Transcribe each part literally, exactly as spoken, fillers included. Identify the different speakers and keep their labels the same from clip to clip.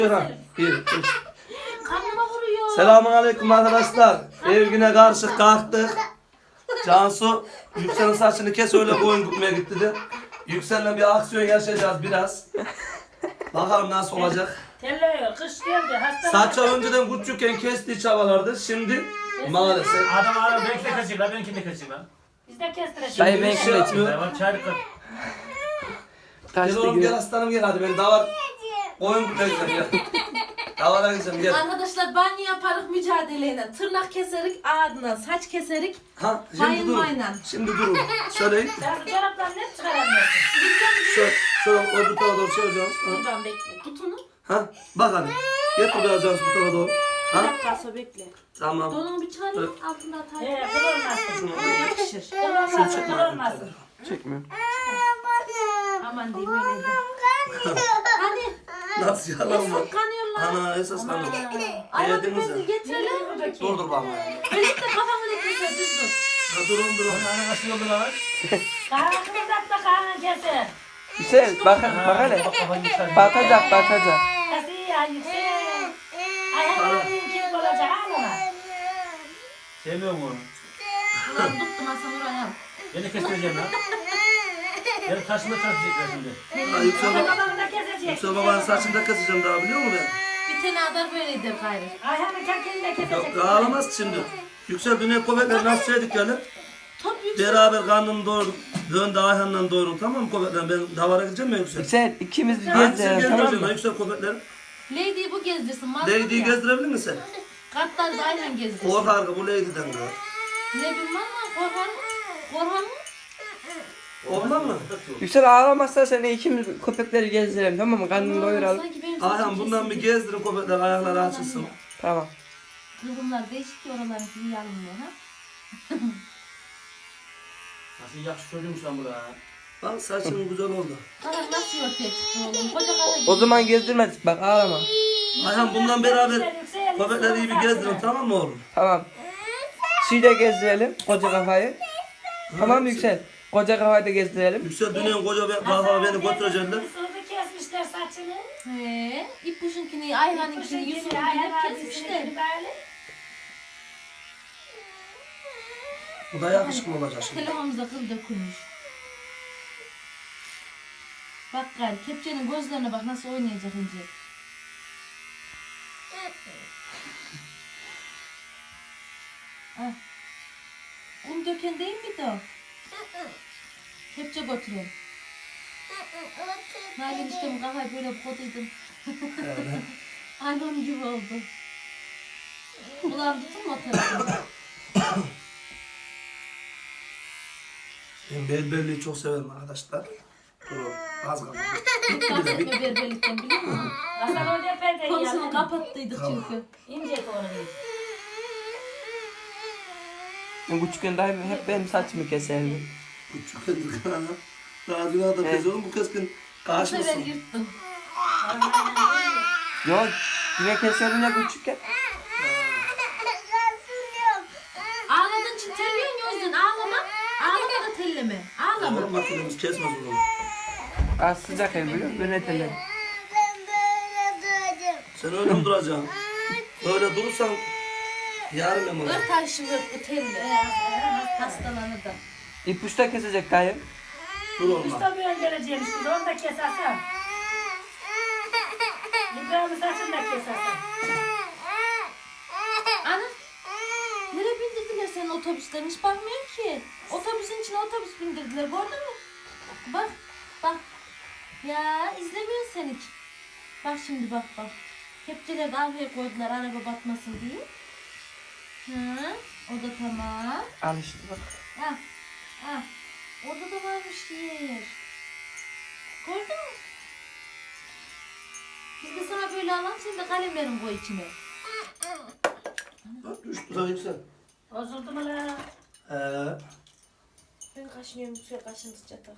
Speaker 1: Bir, üç.
Speaker 2: Karnıma vuruyor.
Speaker 1: Selamun aleyküm arkadaşlar. Ev güne karşı kalktık. Cansu Yüksel'in saçını kes öyle koyun gitmeye gitti de. Yüksel'le bir aksiyon yaşayacağız biraz. Bakalım nasıl olacak.
Speaker 3: Telli kış geldi hasta.
Speaker 1: Saçı önceden küçükken kestiği çabalardı. Şimdi maalesef.
Speaker 4: Adam adam ben de kaçayım lan, ben de kaçayım lan.
Speaker 3: Biz de kestireceğiz.
Speaker 5: Dayı ben
Speaker 1: Şey
Speaker 5: kime
Speaker 1: yapıyor.
Speaker 5: içeyim?
Speaker 4: Ben çağrı kır.
Speaker 1: Gel
Speaker 5: Kaçtı
Speaker 1: oğlum gel
Speaker 5: gibi.
Speaker 1: aslanım gel hadi ben davar koyun gitmeye gideceğim gel. Davara gideceğim gel.
Speaker 2: Arkadaşlar banyo yaparık mücadeleyle. Tırnak keserik ağzına, saç keserik.
Speaker 1: Ha şimdi
Speaker 2: Hayır,
Speaker 1: durun.
Speaker 2: aynen.
Speaker 1: Şimdi durun. Söyleyin.
Speaker 3: Sen bu çoraplarını hep çıkaramıyorsun.
Speaker 1: Şöyle, şöyle öbür tarafa doğru çevireceğiz. Ha.
Speaker 2: Buradan bekle. Tut onu.
Speaker 1: Ha, bak hadi. Getir biraz Cansu bu tarafa doğru.
Speaker 2: Bir
Speaker 1: Ha,
Speaker 2: dakika sonra bekle.
Speaker 1: tamam.
Speaker 2: Donunu bir çıkarayım. Altında atar.
Speaker 3: He kıl olmasın.
Speaker 2: Yakışır.
Speaker 3: Kıl olmasın, kıl olmasın.
Speaker 5: Çekmiyorum.
Speaker 2: Aman diyeyim öyle de. Hani?
Speaker 1: Nasıl yalan mı?
Speaker 2: Esas kanıyorlar.
Speaker 1: Ana esas kanıyor.
Speaker 2: Ayağını
Speaker 1: Yediniz
Speaker 2: bezi
Speaker 1: ya.
Speaker 2: getirelim.
Speaker 1: Dur dur bana.
Speaker 2: Birlikte kafamı da keser düz dur.
Speaker 1: Ha durun durun.
Speaker 4: Ana nasıl oldu lan?
Speaker 3: Kahve kızart da kahve keser.
Speaker 5: Hüseyin bak, bak hele.
Speaker 4: Kafayı yıkar.
Speaker 5: Batacak batacak.
Speaker 3: Kası ya yüksek. Ayağının kim olacak ama.
Speaker 4: Sevmiyorum onu.
Speaker 2: Ulan tuttum Hasan oraya.
Speaker 4: Beni kestireceğim lan. Beni taşıma taşıyacaklar şimdi.
Speaker 1: Ha, Yüksel, baba,
Speaker 3: Babamı da kesecek.
Speaker 1: Yüksel babanın saçını da keseceğim daha biliyor musun ben?
Speaker 2: Bir tane adar böyleydi gayrı.
Speaker 3: Ayağının çakını da kesecek.
Speaker 1: Yok ağlamaz şimdi. Yüksel dünya köpekleri nasıl yedik yani?
Speaker 2: Top yüksek.
Speaker 1: Beraber karnını doyurduk. Dön de Ayhan'la doyurun tamam mı köpekler? Ben davara gideceğim mi Yüksel?
Speaker 5: Hüseyin ikimiz bir
Speaker 1: Hadi sen
Speaker 5: gezelim tamam
Speaker 1: gezdireceksin
Speaker 5: mı?
Speaker 1: ha Yüksel köpekleri.
Speaker 2: Lady'yi bu gezdirsin. mazlum
Speaker 1: Lady'yi
Speaker 2: ya.
Speaker 1: gezdirebilir misin?
Speaker 2: Kartlar da aynen gezdirsin.
Speaker 1: Korkar ki bu Lady'den de.
Speaker 2: Ne bileyim ama Korhan. Korhan mı?
Speaker 1: Olmaz mı?
Speaker 5: Yüksel ağlamazsa seni ikimiz köpekleri gezdirelim tamam mı? Karnını doyuralım.
Speaker 2: Sanki benim saçım
Speaker 1: Ayhan bundan bir
Speaker 2: kesildi.
Speaker 1: gezdirin köpekler ayakları açılsın.
Speaker 5: Tamam.
Speaker 2: Kıvrımlar değişik ki oraların iyi alınmıyor ha.
Speaker 4: Nasıl yakışık çocuğumuş lan bu da.
Speaker 1: Bak saçın güzel oldu.
Speaker 2: Karak nasıl ortaya çıktı oğlum? Koca kara
Speaker 5: O zaman gezdirmedik bak ağlama.
Speaker 1: Ayhan bundan beraber köpekleri iyi bir gezdirin tamam mı oğlum?
Speaker 5: Tamam. Şeyi de gezdirelim koca kafayı. Tamam mı Yüksel? Koca kafayı da gezdirelim.
Speaker 1: Yüksel dünyanın koca bir kafa beni götürecekler.
Speaker 3: Sırdı kesmişler saçını.
Speaker 2: He, İpuşunkini, Ayhan'ınkini, Yusuf'unkini hep kesmişler.
Speaker 1: Bu da yakışıklı olacak şimdi.
Speaker 2: Telefonumuzda kıl dökülmüş. Bak gari, kepçenin gözlerine bak nasıl oynayacak ince. Ah. Un döken değil miydi o? Kepçe götürüyorum. Nalan işte bu kafayı böyle koduydum. Aynı onun gibi oldu. Ulan tutun mu o tarafı?
Speaker 1: Ben berberliği çok severim arkadaşlar. Durun az kaldı.
Speaker 2: Bahsetme berberlikten biliyor musun?
Speaker 3: Hasan orada perdeyi
Speaker 2: Konusunu
Speaker 3: yaptı.
Speaker 2: kapattıydık
Speaker 1: Tamam.
Speaker 2: çünkü.
Speaker 3: İnce doğru.
Speaker 5: Ben küçükken daim hep benim saçımı keserdi.
Speaker 1: Küçük kızdık ana. Daha dün adam kez oğlum bu kız gün
Speaker 2: Bu sefer
Speaker 1: karşımısın.
Speaker 2: yırttım.
Speaker 5: Yok yine keserdim ya küçükken.
Speaker 2: Ağladığın için terliyorsun ya o yüzden ağlama. Ağlama da telleme. Ağlama.
Speaker 1: Oğlum makinemiz kesmez oğlum.
Speaker 5: Az sıcak el biliyor musun? Ben etelim.
Speaker 1: Sen öyle mi duracaksın? Böyle durursan yarın ben olur.
Speaker 2: Ört ayşım ört bu telli. Hastalanır da.
Speaker 5: İpuçta kesecek dayım.
Speaker 1: Dur olma.
Speaker 3: Usta bir geleceğimiş biz onu da kesersen. İbrahim'in saçını da kesersen.
Speaker 2: Ana. Nereye bindirdiler senin otobüslerini hiç bakmıyorum ki. Otobüsün içine otobüs bindirdiler gördün mü? Bak bak. Ya izlemiyorsun sen hiç. Bak şimdi bak bak. Kepçeleri de arkaya koydular araba batmasın diye. Hı, o da tamam.
Speaker 5: Al işte bak.
Speaker 2: Ah, ah. Orada da varmış yer. Gördün mü? Biz de sana böyle alalım, sen de kalemlerin koy içine.
Speaker 1: Bak düştü daha yüksel.
Speaker 3: Bozuldu mu la?
Speaker 1: He.
Speaker 2: Ben kaşınıyorum, şöyle kaşındı çatal.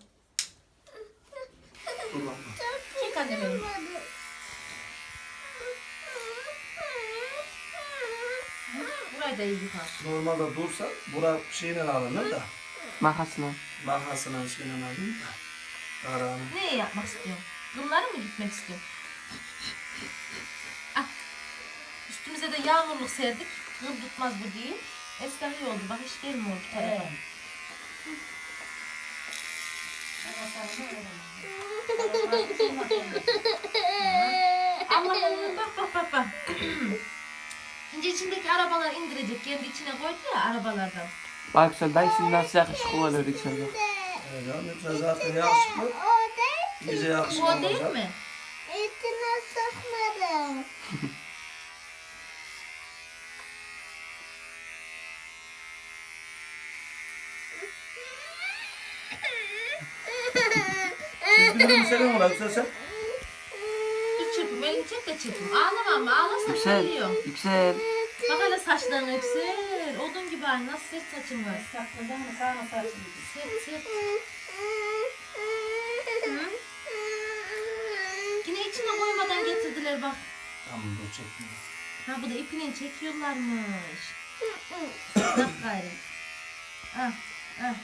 Speaker 1: Dur bakma.
Speaker 2: Çek anne benim. Burayı da iyi yıkar.
Speaker 1: Normalde dursa bura şeyle alınır da.
Speaker 5: Makasına.
Speaker 1: Makasına şeyle alınır da. Kararını.
Speaker 2: Ne yapmak istiyorsun? Bunları mı gitmek istiyorsun? Önümüze de yağmurluk serdik. Kıl tutmaz bu değil. Eskiden iyi oldu. Bak hiç gelmiyor bu tarafa.
Speaker 3: Evet.
Speaker 2: Allah'ım bak bak bak bak. Şimdi içindeki arabalar indirecek. Kendi içine koydu ya arabalardan.
Speaker 5: Bak Yüksel dayı şimdi nasıl yakışıklı oluyor Yüksel bak.
Speaker 1: Evet, ya Yüksel zaten yakışıklı. İyice yakışıklı
Speaker 2: Bu o değil
Speaker 1: olacak.
Speaker 2: mi?
Speaker 6: İçine sokmadım.
Speaker 1: Çizgileri mi senin var Yüksel sen?
Speaker 2: Dur çırpım. Elini çek de çırpım. Ağlama ama. Ağlarsan
Speaker 5: Yüksel,
Speaker 2: söylüyor.
Speaker 5: Yüksel.
Speaker 2: Bak hele saçlarını Yüksel. Odun gibi aynı. Nasıl sert saçın var.
Speaker 3: Sakladın mı sağına saçını?
Speaker 2: Sert sert. Hı? Yine içine koymadan getirdiler bak.
Speaker 1: Tamam dur çekmiyor.
Speaker 2: Ha bu da ipine çekiyorlarmış. Bak gayrı. Ah ah.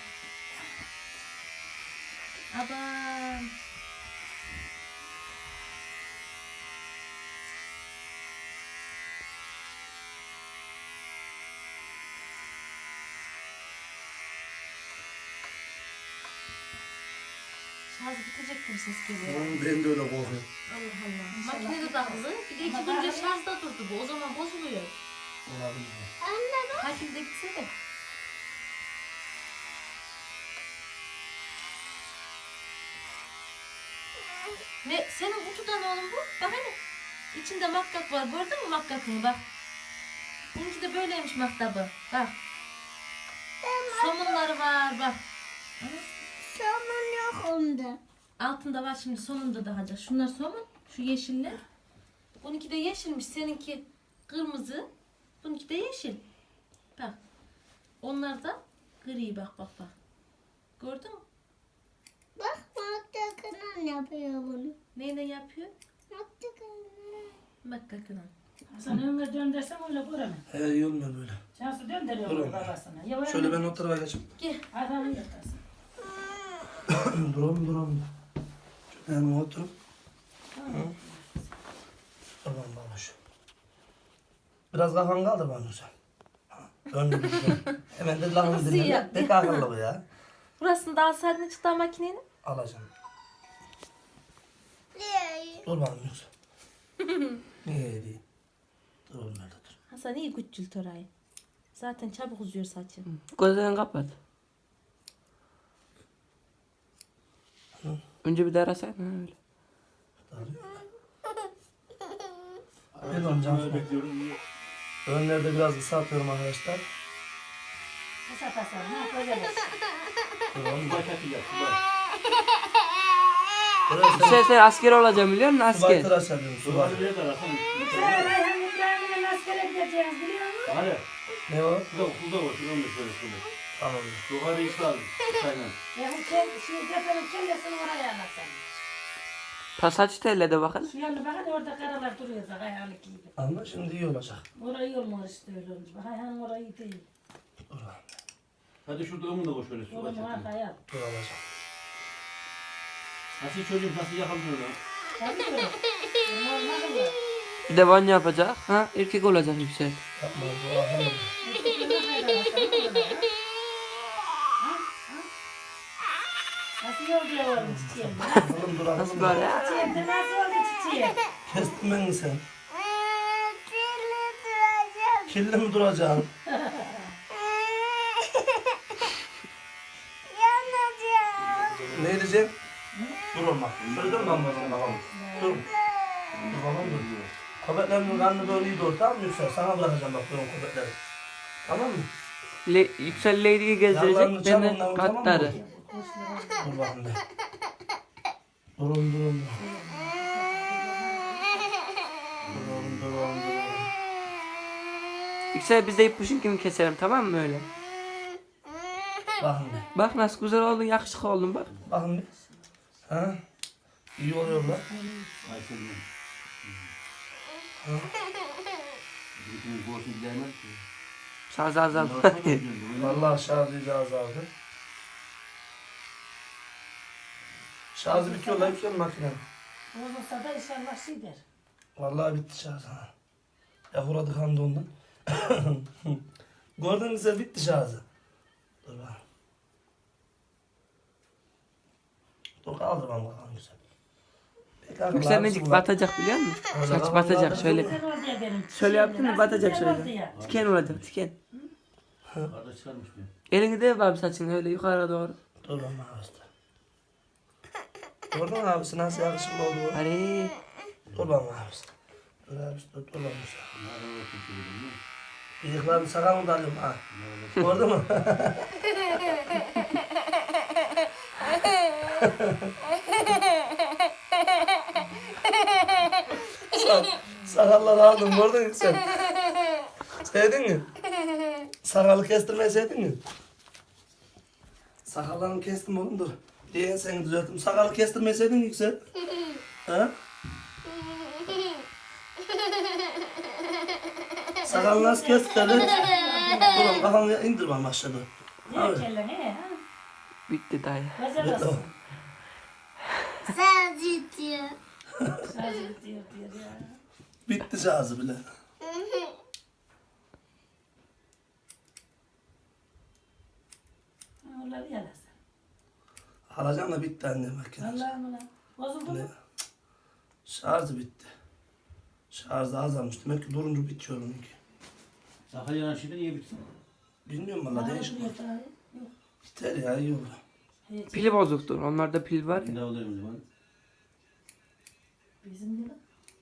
Speaker 2: Adam. Şarj bitecek gibi ses geliyor.
Speaker 1: Ben de öyle korkuyorum.
Speaker 2: Allah Allah. Makinede takılı. Bir de iki günce şarjda durdu bu. O zaman bozuluyor.
Speaker 1: Olabilir.
Speaker 2: Takipte gitse de. Ne? Senin kutudan oğlum bu. Bak hani. İçinde makkak var. Gördün mü makkakını bak. Bununki de böyleymiş maktabı. Bak. Somunları var bak.
Speaker 6: Somun yok onda.
Speaker 2: Altında var şimdi sonunda daha da. Şunlar somun. Şu yeşiller. Bununki de yeşilmiş. Seninki kırmızı. Bununki de yeşil. Bak. Onlar da gri bak bak bak. Gördün mü?
Speaker 6: Bak Maktakınan yapıyor bunu.
Speaker 2: Neyle yapıyor?
Speaker 6: Maktakınan.
Speaker 2: Makkakına.
Speaker 3: Hasan önüne döndersem öyle göremem.
Speaker 1: He iyi olmuyor böyle.
Speaker 3: Cansu döndürüyor
Speaker 1: Dur
Speaker 3: bunu
Speaker 1: oğlum.
Speaker 3: babasına. Ya
Speaker 1: Şöyle ben o tarafa geçeyim.
Speaker 2: Gel.
Speaker 3: Adamı yırtarsın.
Speaker 1: duralım duralım. Şöyle hemen oturup. Tamam babuş. Biraz kafan kaldır bana sen. Önde bir şey. Hemen de lafını
Speaker 2: Nasıl
Speaker 1: dinle.
Speaker 2: ya?
Speaker 1: Ne akıllı bu ya.
Speaker 2: Burasını da alsaydın çıktı makinenin.
Speaker 1: Alacağım.
Speaker 6: Niye?
Speaker 1: Dur bana yoksa. Niye değil? Dur oğlum nerede dur.
Speaker 2: Hasan iyi küçült orayı. Zaten çabuk uzuyor saçın.
Speaker 5: Gözlerini kapat. Önce bir de arasaydın ha öyle.
Speaker 1: Ben oncan
Speaker 4: bekliyorum.
Speaker 1: önlerde biraz kısaltıyorum arkadaşlar.
Speaker 3: Kısa kısa. Ne yapacağız?
Speaker 1: Dur oğlum.
Speaker 4: Paketi yap. Bak.
Speaker 1: Burası
Speaker 5: Yüksel sen asker olacağım biliyor musun
Speaker 1: subay
Speaker 5: asker?
Speaker 1: tıraş yapıyorum subay.
Speaker 4: Subay ne kadar?
Speaker 3: Sen Ayhan İbrahim'le askere gideceğiz biliyor musun?
Speaker 4: Hadi.
Speaker 1: Ne o?
Speaker 4: Kulda kulda var. Şuradan da şöyle şöyle.
Speaker 1: Tamam.
Speaker 4: Yukarı İslam. Aynen.
Speaker 3: Ya bu kel, şu cepenin kellesini oraya anlatsan.
Speaker 5: Pasaç telle de bakın.
Speaker 3: Şu yanına bakın orada karalar duruyor da Ayhan'ın gibi.
Speaker 1: Ama şimdi iyi olacak.
Speaker 3: Orayı olmaz işte öyle olmuş. Bak Ayhan'ın orayı değil.
Speaker 1: Dur lan.
Speaker 4: Hadi şurada onu da koy şöyle su
Speaker 3: Oğlum
Speaker 4: açalım.
Speaker 3: arkaya.
Speaker 1: Dur alacağım.
Speaker 4: Nasıl çocuğum nasıl yakalıyor lan?
Speaker 3: Tabii öyle. Olmaz mı?
Speaker 5: Bir de banyo yapacak. Ha erkek olacak Yüksel.
Speaker 1: Yapma bu ahım.
Speaker 3: Nasıl yolda oğlum çiçeğim?
Speaker 1: Oğlum dur ahım.
Speaker 5: Nasıl böyle?
Speaker 3: Çiçeğim de nasıl oldu çiçeğim?
Speaker 1: Kestin beni sen.
Speaker 6: Kirli duracağım.
Speaker 1: Kirli mi duracaksın?
Speaker 6: Yanacağım.
Speaker 1: Ne diyeceğim? Dur oğlum bak. Şöyle dur lan babam babam. Dur. Dur babam dur. Köpeklerin karnı böyle iyi doğru tamam mı Yüksel? Sana bırakacağım bak ben o köpekleri. Tamam mı?
Speaker 5: Le Yüksel Lady'yi
Speaker 1: Yanlarını
Speaker 5: gezdirecek.
Speaker 1: çal
Speaker 5: Ben de
Speaker 1: onları, tamam mı?
Speaker 5: katları.
Speaker 1: Dur bakayım bir. Durun durun. Durun durun durun.
Speaker 5: Yüksel biz de ipuçunkini keselim tamam mı öyle?
Speaker 1: Bakın bir.
Speaker 5: Bak nasıl güzel oldun yakışıklı oldun bak.
Speaker 1: Bakın bir. Ha? İyi oluyor lan.
Speaker 4: Ay senin. Bütün bu olsun gelmez ki.
Speaker 5: Şarj azaldı.
Speaker 1: Vallahi şarjı da azaldı. Şarjı bitiyor lan bitiyor makinenin.
Speaker 3: Olursa da inşallah şey der.
Speaker 1: Vallahi bitti şarj. Ha. Ya uğradık hamdi ondan. Gördün mü sen bitti şarjı. Dur bakalım. Dur kaldır bana bakalım güzel. Peki abi,
Speaker 5: Yükselmecik
Speaker 1: lazım
Speaker 5: batacak biliyor musun?
Speaker 1: Orada
Speaker 5: Saç
Speaker 1: kafam
Speaker 5: batacak
Speaker 1: kaldır.
Speaker 5: şöyle.
Speaker 3: Güzel oldu ya benim.
Speaker 5: Şöyle yaptın mı
Speaker 3: Nasıl
Speaker 5: batacak
Speaker 3: güzel oldu
Speaker 5: şöyle.
Speaker 3: ya.
Speaker 5: Tiken olacak tiken.
Speaker 4: Kardeş çıkarmış mı?
Speaker 5: Elini de abi saçını öyle yukarı doğru.
Speaker 1: Dur lan abisi. Gördün mü abisi nasıl yakışıklı oldu?
Speaker 5: Hadi.
Speaker 1: Dur lan abisi. Dur abisi dur dur lan abisi. Bıyıklarını sakalını da alıyorum ha. Gördün mü? Sa sakalları aldım gördün mü sen? Sevdin mi? Sakalı kestirmeyi sevdin mi? Sakallarını kestim oğlum dur. Diye seni düzelttim. Sakalı kestirmeyi sevdin mi Yüksel? Ha? Sakalı nasıl kestirdi? Oğlum kafamı indir bana aşağıda.
Speaker 3: Ne kelle ne? ha?
Speaker 5: Bitti dayı.
Speaker 3: Güzel olsun.
Speaker 6: Sadece diyor.
Speaker 3: Sadece diyor diyor ya.
Speaker 1: Bitti şarjı bile.
Speaker 3: Onları yalasın.
Speaker 1: Alacağım da bitti anne makine.
Speaker 3: Allah'ım ulan. Bozuldu
Speaker 1: Ne?
Speaker 3: mu?
Speaker 1: Şarjı bitti. Şarjı azalmış. Demek ki durunca bitiyor onunki.
Speaker 4: Sakal yanan şeyde niye bitsin?
Speaker 1: Bilmiyorum valla
Speaker 3: Bana
Speaker 1: değişik.
Speaker 3: duruyor daha. Yok.
Speaker 1: Biter ya iyi oldu.
Speaker 3: Hiç.
Speaker 5: Pili bozuktur. Onlarda pil var
Speaker 4: Ne
Speaker 5: ya.
Speaker 4: oluyor o zaman?
Speaker 3: Bizim gibi.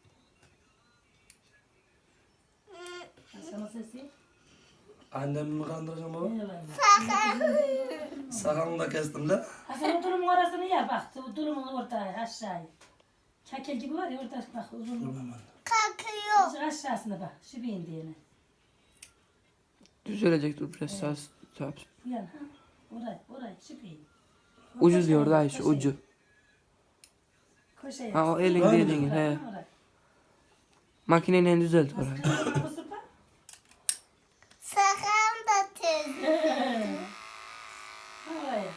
Speaker 3: Sana sesi.
Speaker 1: Annemi mi kandıracağım baba?
Speaker 3: Eyvallah.
Speaker 1: Sakalını da kestim de.
Speaker 3: Hasan o tulumun orasını yer bak. O tulumun ortaya aşağıya. Kakel gibi var ya orada bak uzun.
Speaker 1: Durmam anne.
Speaker 6: Kalkıyor.
Speaker 3: Azıcık aşağısına bak. Şu bir indiğine.
Speaker 5: Düzelecek dur biraz sağ sağ.
Speaker 3: Bu yan ha. Orayı, orayı, şu bir.
Speaker 5: Ucu diyor dayı şu ucu.
Speaker 3: Koşa
Speaker 5: Ha o elin
Speaker 1: Var mı?
Speaker 5: dediğin he. Makineyle düzelt orayı.
Speaker 6: Sakın da tez.
Speaker 3: Oraya.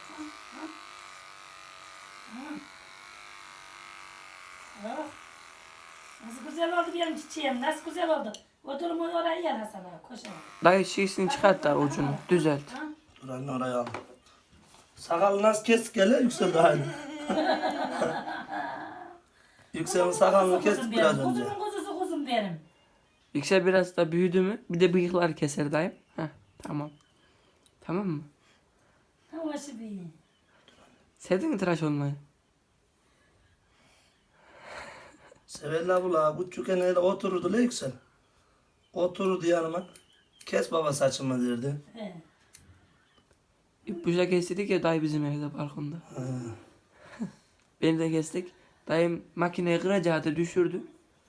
Speaker 3: Nasıl güzel oldu benim çiçeğim, nasıl güzel oldu. Oturumu oraya yer Hasan ağa, koşa.
Speaker 5: Dayı şişini çıkart da ucunu düzelt.
Speaker 1: Dur anne oraya al. Sakalı nasıl kestik hele Yüksel daha iyi. Yüksel'in sakalını kestik biraz önce.
Speaker 3: Kuzumun kuzusu kuzum benim.
Speaker 5: Yüksel biraz da büyüdü mü? Bir de bıyıklar keser dayım. Heh tamam. Tamam mı?
Speaker 3: Ama şu bir.
Speaker 5: Sevdin mi tıraş olmayı?
Speaker 1: Severler bu la. Küçükken öyle otururdu la Yüksel. Otururdu yanıma. Kes baba saçımı derdi.
Speaker 3: He.
Speaker 5: İpuca kestik ya dayı bizim evde balkonda.
Speaker 1: Ha.
Speaker 5: Beni de kestik. Dayım makineyi kıracaktı düşürdü.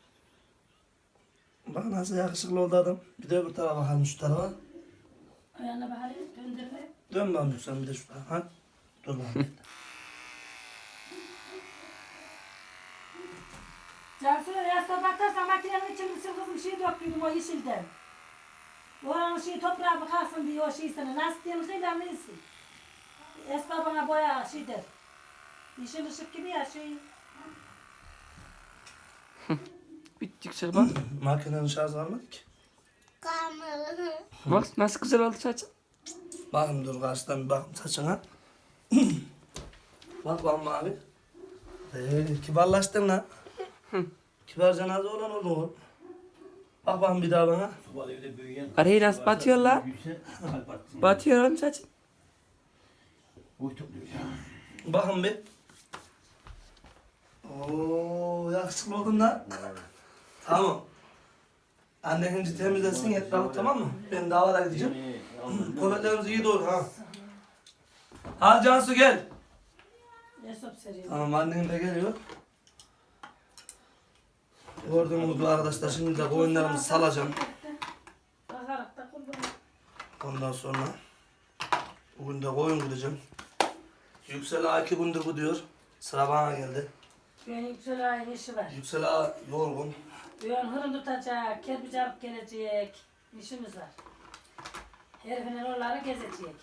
Speaker 1: Bak nasıl yakışıklı oldu adam. Bir de öbür tarafa bakalım şu tarafa.
Speaker 3: Ayağına bakalım, döndürme.
Speaker 1: Dön bakalım Yüksel bir de şu tarafa. Ha? Dur bakalım.
Speaker 3: Cansu yastığa bakarsan makinenin içinde sil kızım şey döktüydüm o yeşilden. Oranın şeyi toprağa bakarsın diye o şey sana. Nasıl diyelim şey ben bilsin. Esma bana boya şey der. Yeşil ışık gibi ya şey.
Speaker 5: Bitti Yüksel bak.
Speaker 1: Makinenin şarjı kalmadı ki.
Speaker 6: Kalmalı.
Speaker 5: Bak nasıl güzel oldu saçın.
Speaker 1: Bakın dur karşıdan bir bakın saçına. Bak bakalım abi. Ee, kibarlaştın lan. Kibarca nazı olan oldu o. Bak bakalım bir daha bana.
Speaker 4: Bu evde büyüyen...
Speaker 5: Arayı nasıl batıyor la?
Speaker 4: Büyüse kalp atsın.
Speaker 5: Batıyor oğlum saçın.
Speaker 4: Boy topluyor ya.
Speaker 1: Bakın bir. Oo yakışıklı oldun lan. Tamam. Annen önce temizlesin etrafı tamam mı? Ben davara gideceğim. Kuvvetlerimiz iyi doğru ha. Ha Cansu gel.
Speaker 3: Esop seriyor.
Speaker 1: Tamam annen de geliyor. Gördüğünüz gibi arkadaşlar şimdi de oyunlarımızı salacağım.
Speaker 3: Bakarak da kurban.
Speaker 1: Ondan sonra bugün de koyun gideceğim. Yüksel Ağa iki gündür bu diyor. Sıra bana geldi.
Speaker 3: Benim yüksel ayın işi var.
Speaker 1: Yüksel Ağa yorgun.
Speaker 3: Düğün hırın tutacak, kerpiç alıp gelecek. İşimiz var. Herifin oraları gezecek.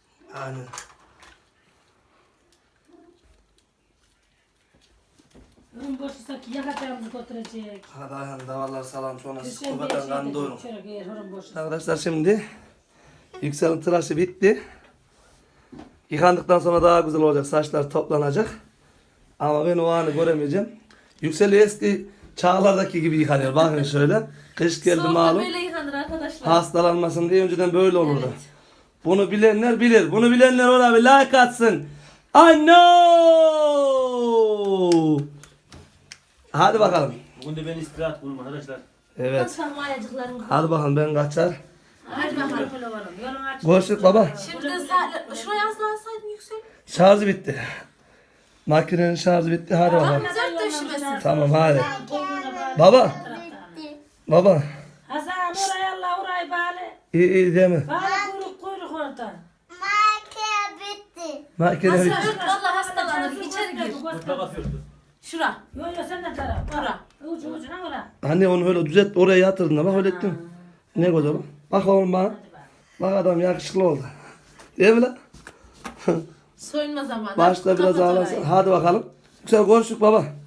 Speaker 1: Aynen.
Speaker 3: Ürün boşuysa ki yakacağımızı götürecek.
Speaker 1: Hadi ayağını davarlar salam sonra siz
Speaker 3: Sen bir
Speaker 1: kubadan
Speaker 3: şey
Speaker 1: kan
Speaker 3: de
Speaker 1: doyurun.
Speaker 3: çörek eğer ürün boşuysa.
Speaker 1: Arkadaşlar şimdi Yüksel'in tıraşı bitti. Yıkandıktan sonra daha güzel olacak. Saçlar toplanacak. Ama ben o anı göremeyeceğim. Yüksel'i eski çağlardaki gibi yıkanıyor. Bakın şöyle. Kış geldi
Speaker 2: Soğukta
Speaker 1: malum.
Speaker 2: böyle yıkanır arkadaşlar.
Speaker 1: Hastalanmasın diye önceden böyle olurdu.
Speaker 2: Evet.
Speaker 1: Bunu bilenler bilir. Bunu bilenler ona bir like atsın. I know. Hadi bakalım.
Speaker 4: Bugün de ben istirahat kurum arkadaşlar.
Speaker 1: Evet.
Speaker 2: Nasıl ayacıklarım?
Speaker 1: Hadi bakalım ben kaçar.
Speaker 2: Hadi bakalım.
Speaker 3: Yolun aç.
Speaker 1: Görüşürüz baba.
Speaker 2: Şimdi saatler, şuraya yazlansaydın Yüksel.
Speaker 1: Şarjı bitti. Makinenin şarjı bitti. Hadi bakalım.
Speaker 2: Dört döşemesin.
Speaker 1: Tamam hadi. Baba. Baba.
Speaker 3: Hasan oraya Allah orayı bağlı.
Speaker 1: İyi iyi değil mi?
Speaker 3: Bağlı kuyruk kuyruk orada.
Speaker 6: Makine bitti.
Speaker 1: Makine
Speaker 2: Hasan
Speaker 1: bitti.
Speaker 2: ört valla hastalanır. İçeri gir.
Speaker 4: Burada bakıyordu.
Speaker 2: Şura.
Speaker 3: Yo yo sen de taraf.
Speaker 2: Ora.
Speaker 3: Ucu ucuna ora.
Speaker 1: Anne onu öyle düzelt oraya yatırdın da bak öyle ettim. Ne güzel bak. Bak oğlum bana. Bak adam yakışıklı oldu. Değil mi lan?
Speaker 2: Soyunma zamanı.
Speaker 1: Başta biraz
Speaker 2: Kapat
Speaker 1: ağlasın.
Speaker 2: orayı.
Speaker 1: Hadi bakalım. Güzel konuştuk baba.